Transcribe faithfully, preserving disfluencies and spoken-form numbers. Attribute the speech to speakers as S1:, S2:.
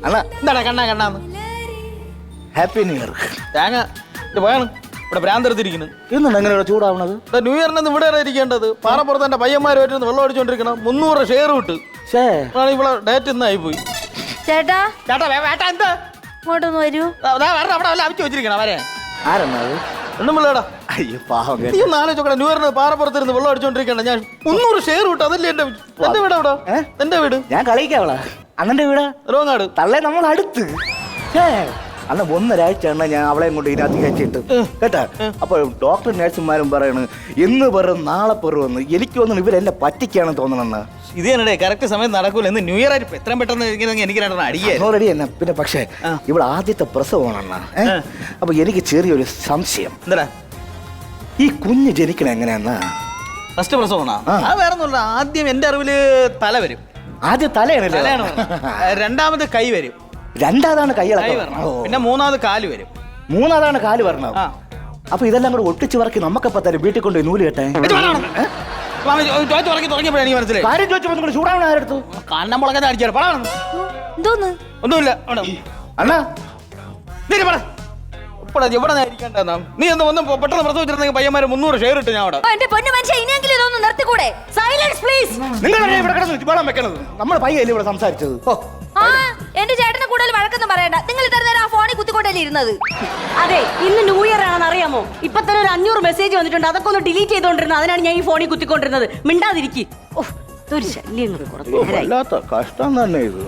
S1: അണ്ണാ
S2: എന്താടാ കണ്ണാ കണ്ണാന്ന്
S1: ഹാപ്പി ന്യൂ ഇയർ.
S2: തേങ്ങ ഇത് പോയാണ് ഇവിടെ ഭ്രാന്തെടുത്തിരിക്കുന്നു.
S1: ഇന്നുണ്ട് എങ്ങനെയാണ് ചൂടാവണത്?
S2: ന്യൂ ഇയറിന് ഇവിടെ ഇരിക്കേണ്ടത് പാറപ്പുറത്ത് എന്റെ പയ്യന്മാരുമായിട്ട് വെള്ളം അടിച്ചോണ്ടിരിക്കണം. മുന്നൂറ് ഷെയർ വിട്ട്
S1: ഷേ
S2: ഇവിടെ ഡേറ്റ് ഇന്നായി പോയി.
S3: ചേട്ടാ
S2: ചേട്ടാ വേ- വേട്ടാ എന്താ
S3: ഇങ്ങോട്ടൊന്ന് വരൂ.
S2: ദാ- ദാ വരണം, അവിടെ വല്ല അവിച്ചു വെച്ചിരിക്കണം വരെ
S1: ആരെണ്ണത്?
S2: ഒന്നും പിള്ളേടാ
S1: അയ്യോ പാവം
S2: നീ ഒന്ന് ആലോചിച്ചോക്കടാ. ന്യൂ ഇയറിന് പാറപ്പുറത്തിരുന്ന് വെള്ളം അടിച്ചോണ്ടിരിക്കണം. ഞാൻ മുന്നൂറ് ഷെയർ വിട്ടു. അതല്ലേ എന്റെ എന്റെ വീട് അവിടെ
S1: ഏ?
S2: എന്റെ വീട്
S1: ഞാൻ കളിക്കാവളാ അണ്ണന്റെ വീടാ
S2: റോങ്ങാട്.
S1: തള്ളേ നമ്മൾ അടുത്ത്. ഛേ, അന്ന് ഒന്നരാഴ്ച എണ്ണ ഞാൻ അവളെയും കൊണ്ട് ഇതിനകത്ത് കയറ്റിട്ട് കേട്ടാ. അപ്പൊ ഡോക്ടർ നഴ്സുമാരും പറയണ് ഇന്ന് പെറും നാളെ പെറുമെന്ന്. എനിക്ക് തോന്നുന്നു ഇവരെന്നെ പറ്റിക്കാണെന്ന് തോന്നണെന്ന്.
S2: ഇത് തന്നെ കറക്റ്റ് സമയം നടക്കൂല. ഇന്ന് ന്യൂ ഇയർ ആയിട്ട് എത്രയും പെട്ടെന്ന് ഇരിക്കുന്ന എനിക്ക് രണ്ടെണ്ണം അടിയേ
S1: റെഡി തന്നെ. പിന്നെ പക്ഷേ ഇവിടെ ആദ്യത്തെ പ്രസവമാണെന്നാ. അപ്പൊ എനിക്ക് ചെറിയൊരു സംശയം.
S2: എന്താ
S1: ഈ കുഞ്ഞ് ജനിക്കണ എങ്ങനെയാന്നാ?
S2: ഫസ്റ്റ് പ്രസവമാണോ?
S1: ആ.
S2: അത് വേറെ ഒന്നുമില്ല. ആദ്യം എന്റെ അറിവില് തല വരും.
S1: ആദ്യം തലയാണല്ലേ?
S2: തലയാണ് രണ്ടാമത് കൈ വരും.
S1: രണ്ടാമതാണ്
S2: കൈ
S1: കൈയിളക്കം.
S2: വരണം.
S1: ഓ.
S2: പിന്നെ മൂന്നാമത് കാല് വരും.
S1: മൂന്നാമതാണ് കാല് വരണം.
S2: ആ.
S1: അപ്പൊ ഇതെല്ലാം കൂടെ ഒട്ടിച്ച് വറക്കി നമുക്കപ്പ തരും വീട്ടിൽ കൊണ്ട് നൂല് കെട്ടെ.
S2: തുടങ്ങിയപ്പോഴാണ് എനിക്ക് മനസ്സിലായി.
S1: കാര്യം ചോദിച്ചപ്പോ നിങ്ങൾ ചൂടാവണ ആരെടുത്തു?
S2: കണ്ണം മുളകാതെ അടിച്ചാൽ പടാണ്.
S3: എന്തോന്ന്?
S2: ഒന്നുമില്ല അവിടെ.
S1: അണ്ണാ
S2: നീ പറ ഇവിടെ എവിടെ ഇരിക്കേണ്ട നീ ഒന്ന് വന്ന് പെട്ടെന്ന് പ്രസവിച്ചിരുന്നെങ്കിൽ പയ്യന്മാരെ മുന്നൂറ് ഷെയർ ഇട്ട് ഞാൻ അവിടെ.
S3: ഓ, എന്റെ പൊന്നു മനുഷ്യ ഇനിയെങ്കിലും ഇതൊന്ന് നിർത്തിക്കൂടെ? Silence please.
S1: നിങ്ങളല്ലേ ഇവിടെ കിടന്ന് വെള്ളം വെക്കണത്? നമ്മൾ പയ്യല്ലേ ഇവിടെ സംസാരിച്ചത്? ഓ,
S3: ആ എന്റെ ചേട്ടനെ കൂടുതൽ വഴക്കൊന്നും പറയണ്ട. നിങ്ങൾ ഇത്ര നേരം ആ ഫോണിൽ കുത്തിക്കൊണ്ടല്ലേ ഇരുന്നത്?
S4: അതെ, ഇന്ന് ന്യൂ ഇയർ ആണെന്ന് അറിയാമോ? ഇപ്പൊ തന്നെ ഒരു അഞ്ഞൂറ് മെസ്സേജ് വന്നിട്ടുണ്ട്. അതൊക്കെ ഒന്ന് ഡിലീറ്റ് ചെയ്തോണ്ടിരുന്നത്. അതിനാണ് ഞാൻ ഈ ഫോണിൽ കുത്തിക്കൊണ്ടിരുന്നത്. മിണ്ടാതിരിക്കും. ഓ ഇതൊരു ശല്യം. കുറച്ച് നേരായി.
S1: വല്ലാത്ത കഷ്ടം തന്നെ ഇത്.